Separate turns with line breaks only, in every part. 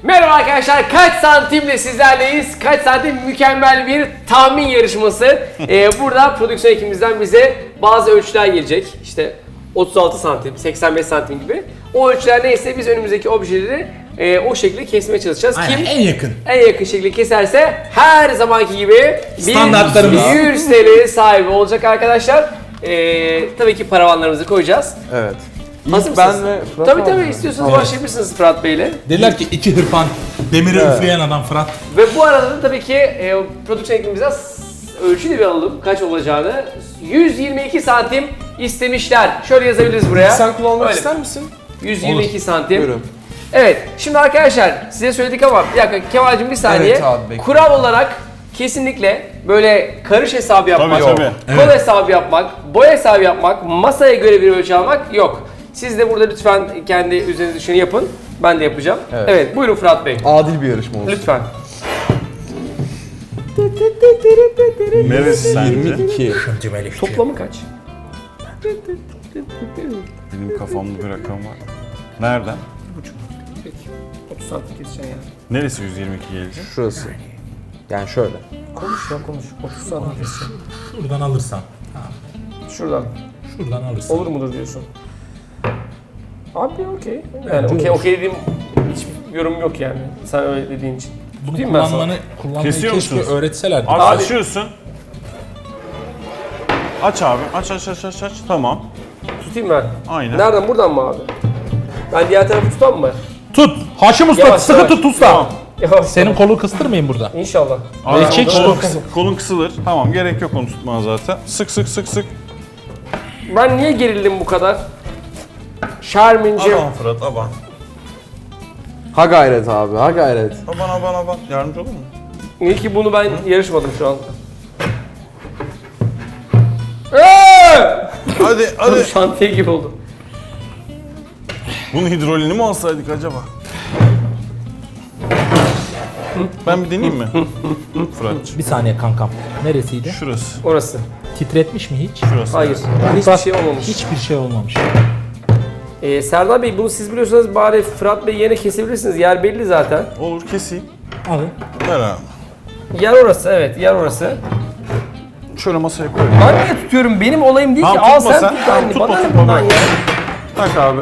Merhaba arkadaşlar, kaç santimle sizlerleyiz? Kaç santim mükemmel bir tahmin yarışması. Burada prodüksiyon ekibimizden bize bazı ölçüler gelecek. İşte 36 santim, 85 santim gibi. O ölçüler neyse biz önümüzdeki objeleri o şekilde kesmeye çalışacağız.
Aynen,
Kim
en yakın.
en yakın şekilde keserse her zamanki gibi
Standartlarımız.
100 TL sahibi olacak arkadaşlar. Tabii ki paravanlarımızı koyacağız.
Evet.
Hazır
İlk ben
mısınız?
ve Fırat
Tabii
abi.
istiyorsanız başlayabilirsiniz Fırat Bey'le.
Dediler ki iki hırpan, demiri
Evet.
üfleyen adam Fırat.
Ve bu arada da tabii ki prodüksiyon ekibimizden ölçü de bir alalım kaç olacağını. 122 santim istemişler. Şöyle yazabiliriz buraya.
Sen kullanmak
Öyle.
ister misin?
122 santim.
Buyurun.
Evet, şimdi arkadaşlar size söyledik ama bir dakika Kemal'cim bir saniye.
Evet abi, bekliyorum.
Kural olarak kesinlikle böyle karış hesabı yapmak,
Tabii, tabii.
kol
Evet.
hesabı yapmak, boy hesabı yapmak, masaya göre bir ölçü almak yok. Siz de burada lütfen kendi üzerinize düşeni yapın. Ben de yapacağım.
Evet.
Evet, buyurun Fırat Bey.
Adil bir yarışma olsun.
Lütfen.
Neresi sence?
22.
Toplamı kaç?
Benim kafamda bir rakam var. Nereden?
Peki. 30 santim keseceksin yani.
Neresi 122 gelecek?
Şurası. Yani şöyle.
Konuş ya konuş. 30 santim keseceksin.
Şuradan alırsan.
Şuradan.
Şuradan alırsan.
Olur mudur diyorsun? Abi okey. Yani okey dediğim hiçbir yorum yok yani. Sen öyle dediğin için.
Bunu
Tutayım ben sana.
kullanmayı
Kesiyor
keşke
musunuz?
öğretselerdi.
Abi,
Abi-
açıyorsun. Aç abi. Aç. Tamam.
Tutayım ben.
Aynen.
Nereden? Buradan mı abi? Ben diğer tarafı tutam mı?
Tut! Haşim Usta
Yavaş,
sıkı
yavaş.
tut usta.
Tamam.
Yavaş.
Senin kolu kıstırmayın burada.
İnşallah.
Abi,
çek
kolun kısılır. Tamam, gerek yok onu tutmana zaten. Sık.
Ben niye gerildim bu kadar? Şermin'cim.
Aman Fırat, aman.
Ha gayret abi, ha gayret.
Aman. Yardımcı olur mu?
İyi ki bunu ben yarışmadım şu an.
Hadi.
Şantiye gibi oldu.
Bunun hidrolini mi alsaydık acaba? Ben bir deneyeyim mi? Fırat'cığım.
Bir saniye kankam. Neresiydi?
Şurası.
Orası.
Titretmiş mi hiç?
Şurası.
Hayır. Hiçbir şey olmamış.
Hiçbir şey olmamış.
Serdar Bey bunu siz biliyorsanız bari Fırat Bey yerine kesebilirsiniz. Yer belli zaten.
Olur, keseyim.
Alın.
Ver abi.
Yer orası, evet yer orası.
Şöyle masaya koy.
Ben niye tutuyorum? Benim olayım değil ki.
Tamam,
Al
tutma
sen
sen.
tut.
Tamam,
Bana
tutma,
ne
tutma
bundan
ben.
ya?
Tak abi.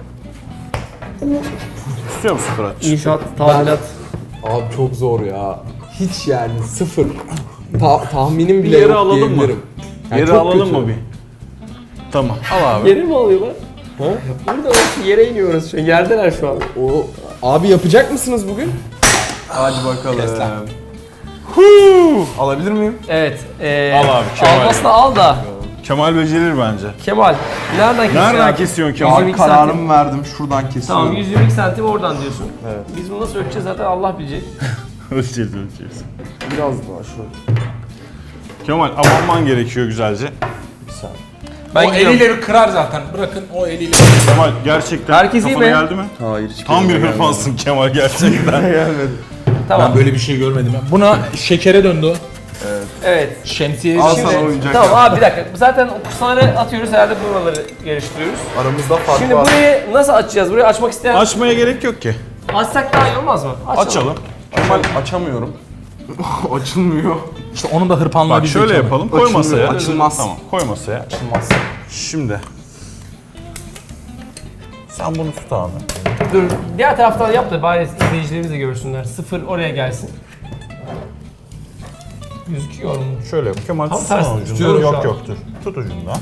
İstiyor musun Fırat?
İnşaat, tadilat.
Abi çok zor ya. Hiç yani sıfır. Tahminim bile
yere
yok
alalım mı?
diyebilirim. Yani
Yeri
çok
alalım
kötü.
mı bir? Tamam. Al abi.
Yere mi alıyorlar? Burada orası yere iniyoruz şu an. Yerdeler şu an.
O abi yapacak mısınız bugün? Hadi bakalım. Alabilir miyim?
Evet.
Al abi, Kemal.
Almasını al da.
Kemal becerir bence.
Kemal. Nereden kesiyorsun?
Nereden
abi?
kesiyorsun Kemal?
122 santim.
Kararımı verdim. Şuradan kesiyorum.
Tamam 122 santim oradan diyorsun.
Evet.
Biz bunu nasıl ölçeceğiz zaten Allah bilecek.
Ölçeceğiz.
Biraz daha şöyle.
Kemal abanman gerekiyor güzelce.
Bir saniye.
Ben
o eliyle kırar zaten. Bırakın o eliyle.
Kemal gerçekten
Herkes iyi
kafana
mi?
geldi mi?
Hayır hiç
Tam bir
gelmedi.
hırpansın Kemal gerçekten.
Gelmedi.
Tamam.
Ben böyle bir şey görmedim. Buna şekere döndü.
Evet.
Şemsiye
Al
şimdi.
sana oyuncak.
Tamam
yap.
abi bir dakika. Zaten o kusaları atıyoruz herhalde buraları yarıştırıyoruz.
Aramızda fark
Şimdi
var.
burayı nasıl açacağız? Burayı açmak isteyen
Açmaya gerek yok ki.
açsak daha iyi olmaz mı?
Açalım.
Kemal açamıyorum. Açılmıyor.
İşte onun da hırpanlığı
Bak
bizde
şöyle
Kemal.
yapalım. Koy
Açılmıyor,
masaya.
açılmaz.
Tamam. Koy masaya.
Açılmaz.
Şimdi. Sen bunu tut abi.
Dur diğer taraftan yap da bari izleyicilerimiz de görsünler. Sıfır oraya gelsin. Gözüküyor mu?
Şöyle yap. Kemal
Tam
tutsana
tersi
ucundan.
tutuyorum şu an.
Yok dur. Tut ucundan.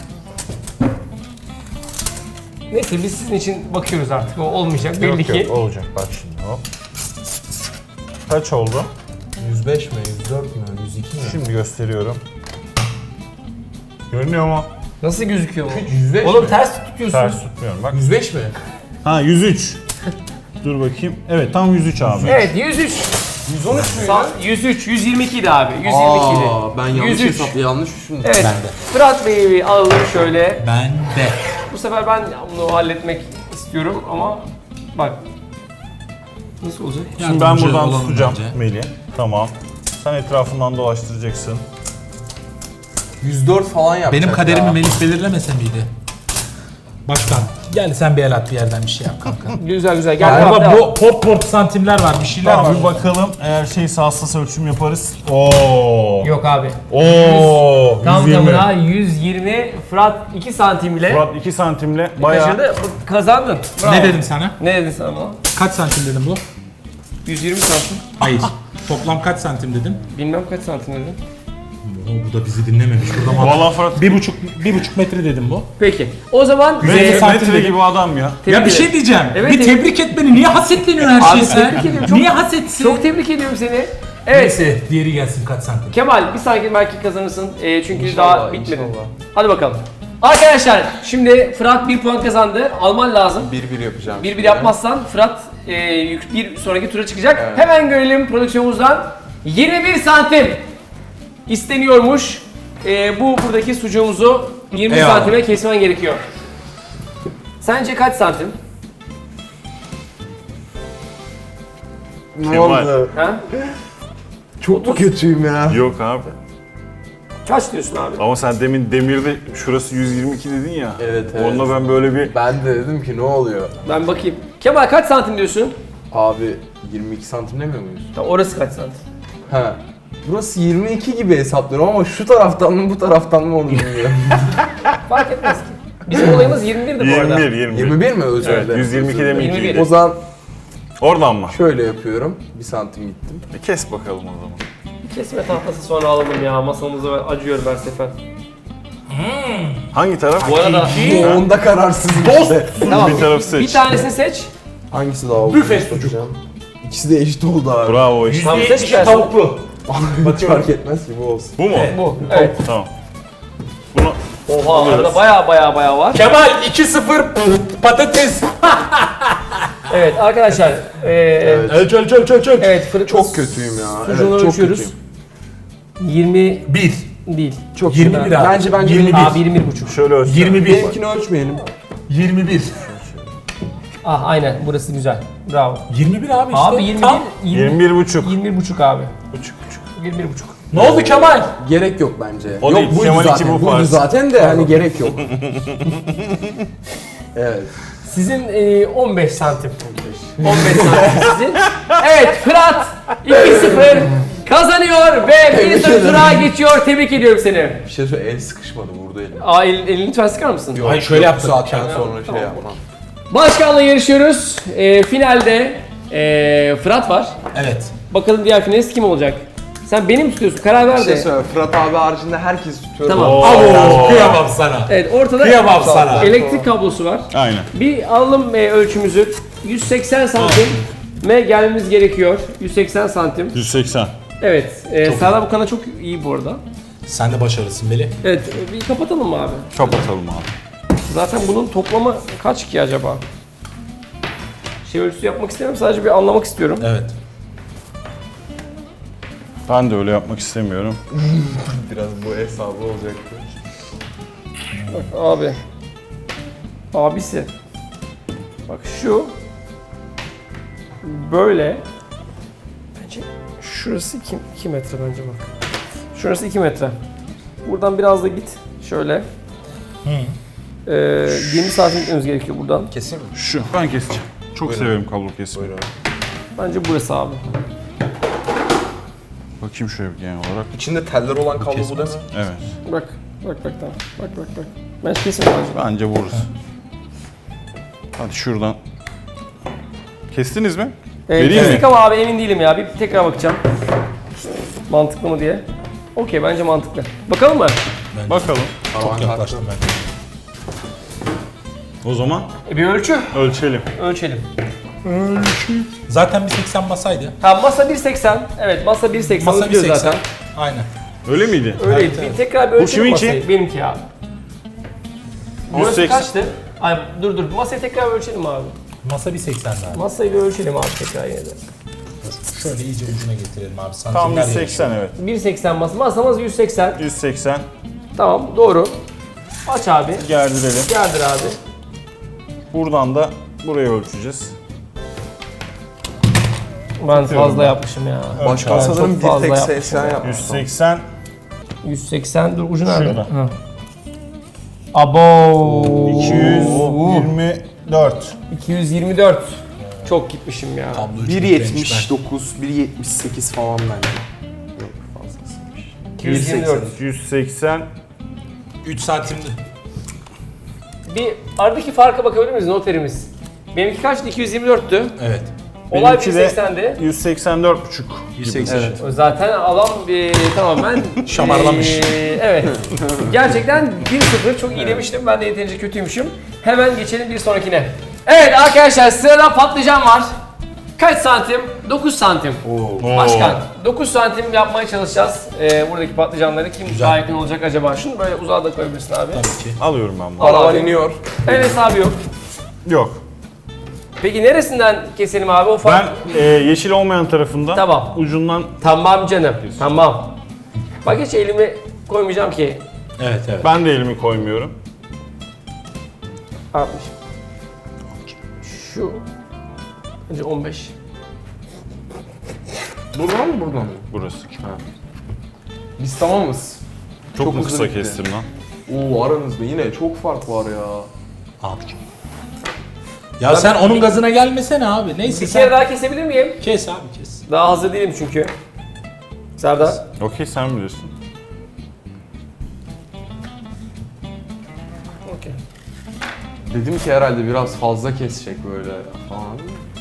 Neyse biz sizin için bakıyoruz artık. O olmayacak belli ki.
Yok olacak bak şimdi hop. Kaç oldu?
105 mi? 104 mü? 102 mi?
Şimdi gösteriyorum. Görünüyor mu?
Nasıl gözüküyor bu?
105
Oğlum
mi?
ters tutuyorsun.
Ters tutmuyorum bak.
105 mi?
Ha 103. Dur bakayım. Evet tam 103 abi.
Evet 103.
113 mü?
103, 122 idi abi. 122 idi.
Ben yanlış
103.
yanlış düşündüm.
Evet.
Ben de.
Fırat Bey'i bir alalım şöyle.
Ben de.
Bu sefer ben bunu halletmek istiyorum ama bak. Nasıl olacak?
Şimdi ben
Yardımcı
buradan
olalım
tutacağım
bence.
Melih. Tamam. Sen etrafından dolaştıracaksın.
104 falan yapacak
Benim kaderimi
ya.
Melih belirlemese miydi? Başkan gel sen bir el at bir yerden bir şey yap kanka.
Güzel güzel. Gel devam,
Galiba
devam.
bu port santimler var bir şeyler var.
Bir bakalım eğer şeyse hassas ölçüm yaparız. Oo.
Yok abi.
Oo.
Tam
120.
tamına 120. Fırat 2 santim ile
Murat 2 santimle bayağı.
kaçırdı. Kazandın. Bravo.
Ne dedim sana?
Ne dedin sen ama?
Kaç santim dedim bu?
120 santim.
Hayır. Toplam kaç santim dedim?
Bilmem kaç santim dedim.
Bu da bizi dinlememiş. Burada
Vallahi Fırat
bir buçuk metre dedim bu.
Peki. O zaman
Metre santim
metre
dedim.
gibi adam ya.
tebrik
Ya bir şey
ederim.
diyeceğim.
Evet,
bir tebrik et beni. Niye hasetleniyorsun her
Abi
şeye sen?
tebrik ediyorum. Çok-
Niye hasetsin?
Çok tebrik ediyorum seni. Evet.
Neyse diğeri gelsin kaç santim.
Kemal bir sonraki belki kazanırsın. Çünkü
İnşallah,
daha bitmedi.
inşallah.
Hadi bakalım. Arkadaşlar şimdi Fırat 1 puan kazandı. Alman lazım.
1-1 yapacağım.
1-1 yapmazsan Fırat bir sonraki tura çıkacak. Hemen görelim prodüksiyonumuzdan. 21 santim isteniyormuş. Bu buradaki sucuğumuzu 20
Eyvallah.
santime kesmen gerekiyor. Sence kaç santim?
Ne
Kemal.
oldu?
Ha?
Çok mu kötüyüm ya?
Yok abi.
Kaç diyorsun abi?
Ama sen demin demirde şurası 122 dedin ya.
Evet, evet.
Onunla ben böyle bir
Ben de dedim ki ne oluyor?
Ben bakayım. Kemal kaç santim diyorsun?
Abi 22 santim demiyor muyuz?
Tamam, orası kaç santim?
Ha. Burası 22 gibi hesaplıyorum ama şu taraftan mı bu taraftan mı onu bilmiyorum.
Fark etmez ki. Bizim olayımız 21'di bu arada.
21.
21 mi özür
Evet,
dilerim.
122
Özür dilerim.
21.
deminki.
O zaman
Oradan mı?
şöyle yapıyorum. 1 santim gittim.
Kes bakalım o zaman.
Kesme tahtası sonra alalım ya. Masamıza acıyorum her sefer.
Hangi taraf?
Bu arada
Bu onda kararsızım işte.
tamam.
Bir tarafı seç.
Bir tanesini seç.
Hangisi daha oldu?
Büfe sucuk.
İkisi de eşit oldu abi.
Bravo işte.
Tamam, seç bir tanesi.
tavuklu.
Hiç fark etmez ki bu olsun.
Bu mu?
Bu. Evet.
Tamam. Bunu
Oha arada baya var.
Kemal 2-0 patates.
Evet arkadaşlar.
Ölç.
Evet
Çok kötüyüm ya.
Sucuğunu
Evet, çok
ölçüyoruz.
kötüyüm.
20
1.
değil.
Çok
21
kötü.
abi.
Bence
21.
Abi 21,5.
şöyle ölçelim.
21.
Benimkini ölçmeyelim.
21.
Ah aynen burası güzel. Bravo.
21 abi işte.
Abi 21
Tam.
21 buçuk.
21,5 abi.
Buçuk.
21,5.
Ne oldu Kemal?
Gerek yok bence.
O
yok
değil,
buydu
Kemal
zaten.
iki bu
Buydu
farz.
zaten de hani gerek yok. Evet.
Sizin 15 santim. 15 santim sizin. Evet Fırat 2-0 kazanıyor ve bir
Tebrik
sonraki
ederim.
tura geçiyor. Tebrik ediyorum seni.
Bir şey söyle, el sıkışmadı vurdu elim.
Aa elini lütfen sıkar mısın?
Hayır şöyle
Yok,
yaptık.
bu saatten sonra şey yapmam.
Başkanla yarışıyoruz. Finalde Fırat var.
Evet.
Bakalım diğer finalist kim olacak? Sen beni mi tutuyorsun? Karar ver
Bir şey
de.
söyle, Fırat abi haricinde herkes tutuyor.
Tamam.
Abo kıyamam sana.
Evet ortada
Kıyamam sana.
elektrik kablosu var.
Aynen.
Bir alalım ölçümüzü. 180 santim gelmemiz gerekiyor. 180 santim.
180.
Evet. Serdar bu kanal çok iyi bu arada.
Sen de başarılısın Melih.
Evet. Bir kapatalım mı abi?
Kapatalım abi.
Zaten bunun toplamı kaç ki acaba? Şey ölçüsü yapmak istemiyorum. Sadece bir anlamak istiyorum.
Evet.
Ben de öyle yapmak istemiyorum.
Biraz bu hesabı olacaktı.
Bak abi. Abisi. Bak şu. Böyle. Bence şurası 2 metre bence bak. Şurası 2 metre. Buradan biraz da git. Şöyle. 20 santim gitmemiz gerekiyor buradan.
Keseyim mi?
Şu. Ben keseceğim. Çok severim kablo kesmeyi.
Buyurun.
Bence burası abi.
Bakayım şöyle bir genel olarak.
İçinde teller olan kablo bu değil mi?
Evet.
Bak. Bak tamam. Bak. Ben kesin bence.
Bence vururuz. Hadi şuradan. Kestiniz mi? Vereyim mi?
Kestik ama abi emin değilim ya. Bir tekrar bakacağım. Mantıklı mı diye. Okey bence mantıklı. Bakalım mı?
Bakalım.
Çok yaklaştım ben.
O zaman
Bir ölçü.
ölçelim.
Ölçelim.
Zaten bir 80 basaydı.
Tamam masa 1.80. Evet masa 1.80
Masa
biliyor
1.80.
zaten.
Aynen.
Öyle miydi?
Öyleydi.
Evet.
Bir tekrar bir ölçelim
kiminki?
masayı. Benimki abi. Burası
180.
kaçtı? Ay dur masayı tekrar bir ölçelim abi.
Masa bir 80 daha.
Masayı bir ölçelim abi tekrar yine de.
Şöyle iyice ucuna getirelim abi.
Tam
Santimler
180 evet.
1.80 masa. Masamız 180.
180.
Tamam doğru. Aç abi.
Gerdirelim.
Gerdir abi.
Buradan da buraya ölçeceğiz.
Ben fazla yapmışım ya.
Başkan
Ben
sanırım
çok fazla
bir tek
yapmışım
80
ya.
yapmış.
180.
180 dur ucu nerede?
Şurada.
Ha. Abo.
224.
224. Çok gitmişim ya.
Tablo üçlük bench
1.79, 1.78 falan bence. Yok fazlasıymış.
224.
180.
3 santimdi.
Bir aradaki farka bakabilir miyiz noterimiz? Benimki kaçtı? 224'tü.
Evet.
Olay
Benimki de
180'di.
184,5.
180.
Evet.
Zaten adam tamamen
Şamarlamış.
evet. Gerçekten 1-0 çok iyi demiştim. Ben de yeterince kötüymüşüm. Hemen geçelim bir sonrakine. Evet arkadaşlar sırada patlıcan var. Kaç santim? 9 santim. Başkan 9 santim yapmaya çalışacağız. Buradaki patlıcanları kim daha yakın olacak acaba? Şunu böyle uzağa da koyabilirsin abi.
Tabii ki.
Alıyorum ben bunu.
Al
Paravan
abi.
iniyor.
El hesabı yok.
Yok.
Peki neresinden keselim abi? O
Ben
fark...
yeşil olmayan tarafından
Tamam.
ucundan
Tamam canım. Tamam. Bak hiç elimi koymayacağım ki.
Evet evet.
ben de elimi koymuyorum.
60. Şu. Önce 15.
Buradan mı buradan mı?
Burası.
Biz tamamız.
Çok mu
hızlı
kısa
bitti.
kestim lan?
Oo aranızda yine çok fark var ya.
Abicim. Ya sen onun gazına gelmesene abi. Neyse
Bir kere
sen
daha kesebilir miyim?
kes abi kes.
Daha hazır değilim çünkü. Serdar.
Okey sen bilirsin.
Okey.
Dedim ki herhalde biraz fazla kesecek böyle falan.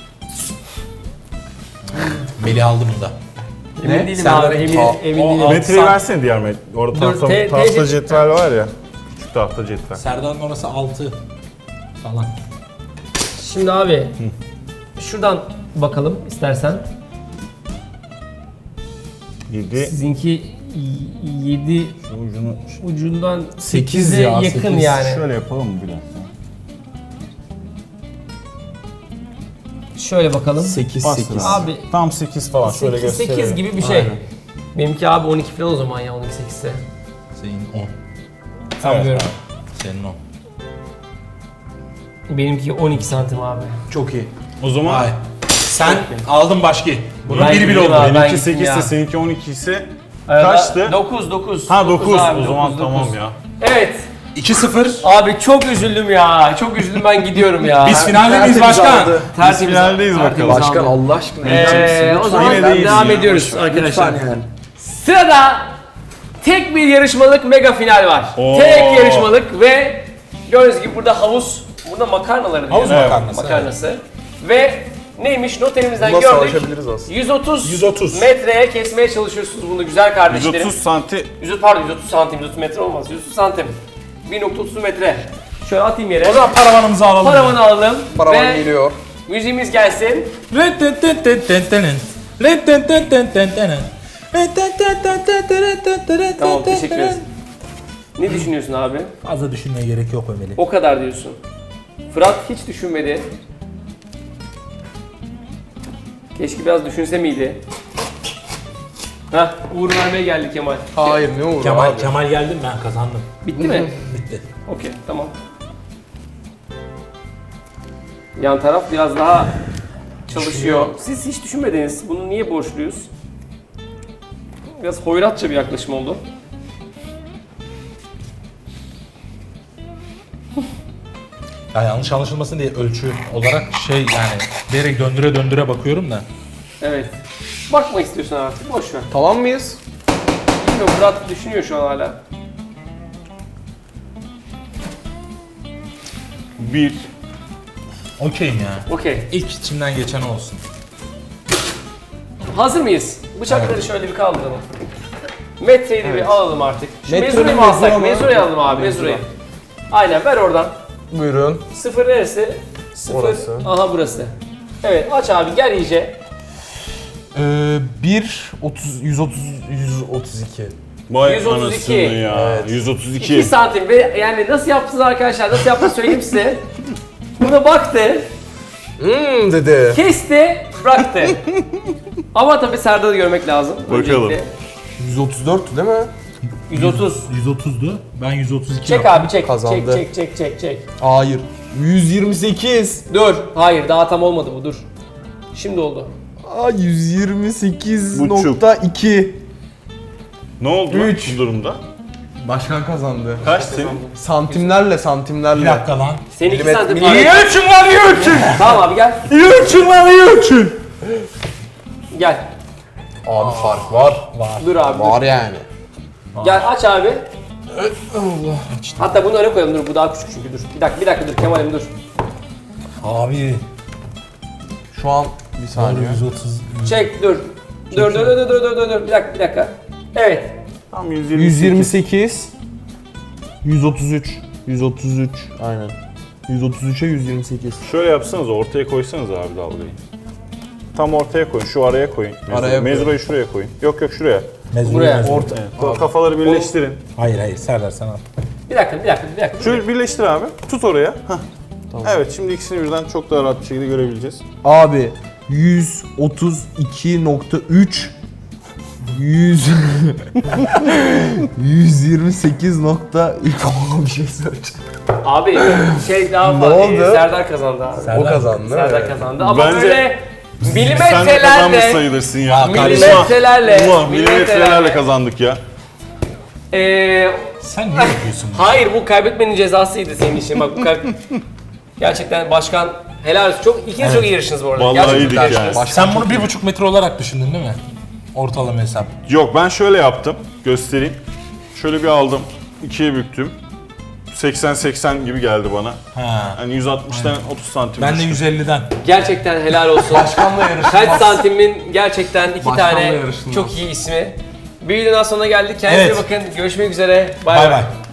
Melih aldı bunda.
Emin
Ne?
değilim
Serdar
abi. Emin,
Aa,
emin
o-
değilim.
o-
Metreyi
Sen-
versene diğer metre. Orada
Dur,
tahta
te-
cetvel var ya. Küçük tahta cetvel.
Serdar'ın orası 6 falan.
Şimdi abi. Şuradan bakalım istersen.
7.
Sizinki 7
Ucunu
ucundan
8
8'e
ya,
yakın
8.
yani.
şöyle yapalım mı bir dakika?
Şöyle bakalım.
8
Bastır
8.
Abi
Tam 8 falan şöyle
8,
gösterelim.
8 gibi bir şey.
Aynen.
Benimki abi 12 falan o zaman ya 12 8'se.
Senin 10.
Sanmıyorum.
Senin 10.
Benimki 12 santim abi.
Çok iyi.
O zaman
Vay. Sen aldın başki. Bunun
Ben
biri bile
gideyim
oldu.
abi. ben
benimki
gittim
8
ya.
ise seninki 12 ise kaçtı?
9 9.
Ha 9.
abi,
O zaman
9,
tamam
9.
ya.
Evet.
2-0.
Abi çok üzüldüm ya. Çok üzüldüm ben gidiyorum ya.
Biz finalde miyiz
Tertemiz
başkan?
aldı.
Biz finaldeyiz bakalım.
Başkan Allah aşkına.
O zaman
Yine de iyisin
devam
ya,
ediyoruz
boş
arkadaşlar.
Lütfen yani.
Sırada tek bir yarışmalık mega final var.
Oo.
Tek yarışmalık ve gördüğünüz gibi burada havuz, burada makarnaları
Havuz
diyor.
makarnası,
Makarnası. Ve neymiş noterimizden
Buna
gördük.
savaşabiliriz aslında.
130 metreye kesmeye çalışıyorsunuz bunu güzel kardeşlerim.
130 santi
130 santim, 130 metre olmaz. 130 santim. 1.30 metre. Şöyle atayım yere.
O zaman paravanımızı alalım.
Paravanı alalım
Paravan
ve
geliyor.
müziğimiz gelsin. Tamam teşekkür ederiz. Ne düşünüyorsun abi?
Fazla düşünmeye gerek yok Ömer'i.
O kadar diyorsun. Fırat hiç düşünmedi. Keşke biraz düşünse miydi? Hah, uğur vermeye geldi Kemal.
Hayır ne olur
Kemal,
abi.
Kemal geldim ben kazandım.
Bitti mi?
Bitti.
Okey, tamam. Yan taraf biraz daha çalışıyor. Siz hiç düşünmediniz. Bunu niye borçluyuz? Biraz hoyratça bir yaklaşım oldu.
Ya yanlış anlaşılmasın diye ölçü olarak yani direkt döndüre döndüre bakıyorum da.
Evet. Bakma istiyorsun artık. Boş ver.
Tamam mıyız?
Bilmiyorum, Fırat düşünüyor şu an hala.
1.
Okeyim ya.
Okey.
İlk içimden geçen olsun.
Hazır mıyız? Bıçakları şöyle bir kaldıralım. Metreyi de bir alalım artık. Şu
Metre
mezurayı
mi,
mı alsak?
mezura mı?
Mezurayı alalım abi, mezurayı. Aynen, ver oradan.
Buyurun.
Sıfır neresi? Sıfır.
Orası.
Aha burası. Evet, aç abi, gel iyice.
132.
Vay
132.
anasını ya.
Evet.
2
132.
santim ve yani nasıl yaptınız arkadaşlar? Nasıl yaptığını söyleyeyim size. Buna baktı,
Dedi.
kesti, bıraktı. Ama tabii Serdar'ı görmek lazım.
Bakalım.
Öncelikle.
134 değil mi?
130.
130'du. Ben 132
Çek
yaptım.
abi, çek.
Kazandı.
Çek.
Hayır. 128.
Dur. Hayır, daha tam olmadı bu, dur. Şimdi oldu.
Aa 128.2.
Ne oldu lan
Üç.
bu durumda?
Başkan kazandı.
Kaç senin?
Santimlerle.
Bir dakika lan.
Senin 2
Milimet-
santim
milimet-
var.
ölçün lan iyi ölçün.
Tamam abi gel.
İyi ölçün lan iyi ölçün.
Gel.
Abi fark var.
Dur abi dur.
Var yani.
Gel aç abi. Hatta bunu öne koyalım dur bu daha küçük çünkü dur. Bir dakika dur Kemal'im dur.
Abi.
Şu an bir saniye.
130.
Çek dur. Dur. Bir dakika. Evet.
Tam 128.
128. 133. Aynen. 133'e 128.
Şöyle yapsanız ortaya koysanız abi dalgayı. Tam ortaya koyun, şu araya koyun.
Araya
Mezurayı şuraya koyun. Yok şuraya.
Buraya.
Orta.
Evet. Kafaları birleştirin.
Hayır Serdar sen al.
Bir dakika.
Şöyle birleştir abi. Tut oraya. Hah. Evet şimdi ikisini birden çok daha rahat bir şekilde görebileceğiz.
Abi 132.3 128.3 bir şey söyleyeceğim.
Abi şey daha
Ne
fazla.
oldu?
Serdar kazandı abi.
Serdar.
O kazandı değil mi?
Serdar kazandı ama
Bence
böyle
Sen de kazanmış
milimetrelerle
sayılırsın ya.
milimetrelerle
Milimetrelerle kazandık ya.
Sen ne yapıyorsun?
Hayır bu kaybetmenin cezasıydı senin için bak bu gerçekten başkan helal olsun. İkiniz çok iyi yarıştınız bu arada.
Vallahi
Gerçekten
iyiydik
yarıştınız.
yani.
Sen bunu 1,5 metre olarak düşündün değil mi? Ortalama hesap.
Yok ben şöyle yaptım. Göstereyim. Şöyle bir aldım. İkiye büktüm. 80-80 gibi geldi bana.
Ha.
Yani 160'tan 30 santim.
Ben de
düştüm.
150'den.
Gerçekten helal olsun.
Başkanla yarıştınız.
Kaç santimin gerçekten iki
Başkanla
tane
yarıştınız.
çok iyi ismi. Bir videodan sonra geldik. Kendinize
Evet.
bakın. Görüşmek üzere. Bay
Bay
bay.
bay.